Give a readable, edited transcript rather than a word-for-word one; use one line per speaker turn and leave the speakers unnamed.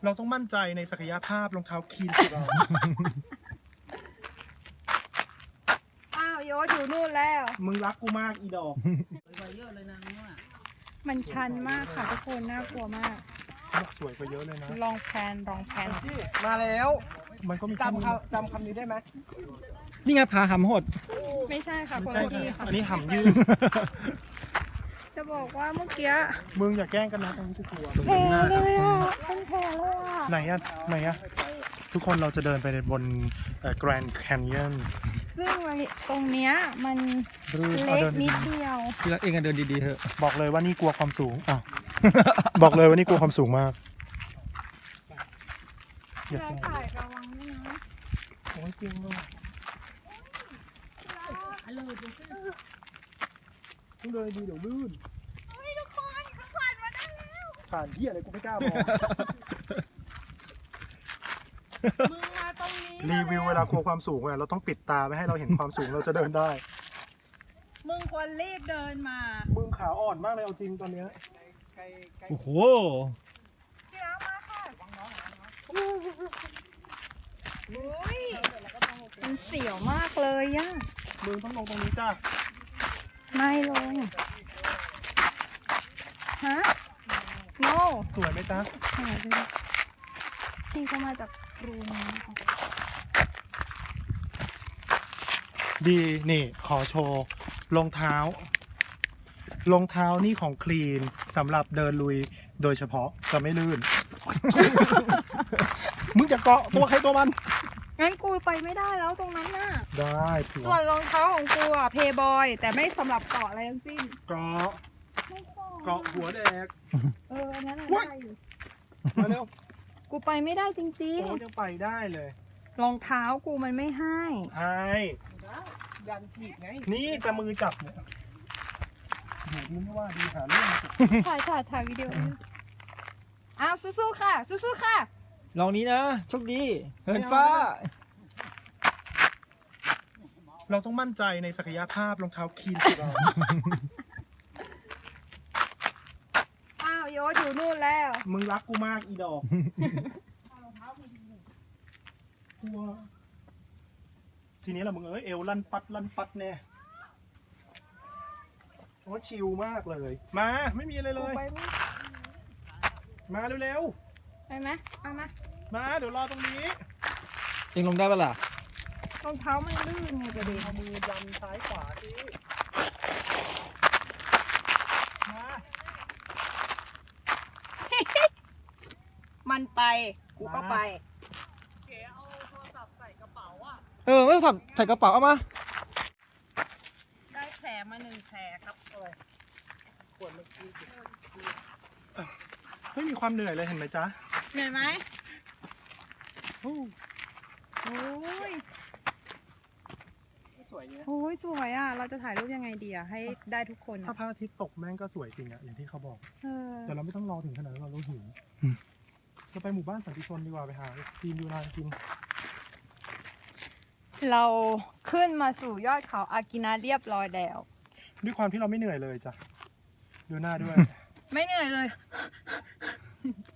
เราต้องมั่นใจในศักยภาพรองเท้าคีนของเรา
อ้าวโยศอยู่นู่นแล้ว
มึงรักกูมากอีดอก
มันชันมากค่ะทุกคนน่ากลัวมาก
บอกสวยกว่าเยอะเลยนะ
ลองแพน
มาแล้ว
มันก็มี
จำคำนี้ได้ไหม
นี่ไงผาหำหด
ไม่ใช่ค่ะคน
ใช่
ละที่ค่ะ
อันนี้หำยืด
จะบอกว่าเมื่อกี้
มึงอย่าแกล้งกันนะตรงนี้จะกลัว
แผลเลยอ่ะเป็นแผลเลยอ่ะ
ไหนอะทุกคนเราจะเดินไปบนแกรนด์แคนยอน
ซึ่งตรงเนี้ยมัน
เอา
เล็ก
เดิน
นิ
ดี
ดเดียว
ที่รักเองกันเดินดีๆเถอะ
ๆบอกเลยว่านี่กลัวความสูงอ้าว บอกเลยว่านี่กลัวความสูงมากอย่า
ใช่
เสียง
ถ่ายระวังด้วยนะ
โอ้ยจริงด้วยต้องเดินดีเดี๋ยวลื่น
ทุกคนเขาผ่านมาได้แล้ว
ผ่านที่อะไรกูไม่กล้ามอง
มึงมาตรงนี้
รีวิวเวลากลัวความสูงอะเราต้องปิดตาไม่ให้เราเห็นความสูงเราจะเดินได้
มึงควรรีบเดินมา
มึงขาอ่อนมากเลยเอาจริงตอนเนี้ย
โอ้โห
พี่รักมาค่ะอุ้ยมันเสียวมากเลยอ่ะ
มึงต้องลงตรงนี้จ้า
ไม่ลงฮะ no
สวยไหมจ๊ะ
หายไปเลยพี่เขามาจากกรุงนะคะ
ดีนี่ขอโชว์รองเท้านี่ของคลีนสำหรับเดินลุยโดยเฉพาะจะไม่ลื่น มึงจะเกาะตัวใครตัวมัน
งั้นกูไปไม่ได้แล้วตรงนั้นน่ะ
ได้ผัว
ส่วนรองเท้าของกูอ่ะเพย์บอยแต่ไม่สำหรับเกาะอะไรทั้งสิ้น
เกาะ
ไม่เกาะ
เกาะหัวแดก
อันนั้น
อุ๊ย
ได้อยู่
มาเร็ว
กูไปไม่ได้จริง
โอ้ยังไปได้เลย
ๆรองเท้ากูมันไม่ให้
ไอ้
ยันถีบไง
นี่จะมือจับเนี่ยโหดีไม่ว่าดีหาเรื่อง
ถ่ายวิดีโออ้าวสู้ๆค่ะสู้ๆค่ะ
ลองนี้นะ โชคดี เหินฟ้า
เราต้องมั่นใจในศักยภาพรองเท้าคีนของเรา
อ้าวโยศอยู่นู่นแล้ว
มึงรักกูมากอีดอกกลัวทีนี้แหละมึงเอ้ยเอวลั่นปัดแน่โอ้ชิลมากเลย มาไม่มีอะไรเล
กู
ย
ไปไม่
มาเร็ว
ไปไหมเอามา
ๆมาเดี๋ยวรอตรงนี้
เองลงได้ปะล่ะ
รองเท้ามันลื่นไงประเด็น
เอามือยันซ้ายขวาสิมา
มันไปกูก็ไป
ไม่ต้องใส่กระเป๋าเอามา
ได้แผลมา1 แผลครับ
ขวดเมื่อกี้ไม่มีความเหนื่อยเลยเห็นไหมจ๊ะ
เหนื่อยไหม
โอ้
โอ้ย
สวยเนี่ย
โอ้ยสวยอ่ะเราจะถ่ายรูปยังไงดีอ่ะให้ได้ทุกคน
ถ้า
อ่ะ
พระอาทิตย์ตกแม่งก็สวยจริงอะอย่างที่เขาบอก
เออ
แต่เราไม่ต้องรอถึงขนาดนั้นเราหิวเราไปหมู่บ้านสันติชนดีกว่าไปหาจีนยูนานกิน
เราขึ้นมาสู่ยอดเขาอากินาเรียบร้อยแล้ว
ด้วยความที่เราไม่เหนื่อยเลยจ้ะดูหน้าด้วย
ไม่เหนื่อยเลย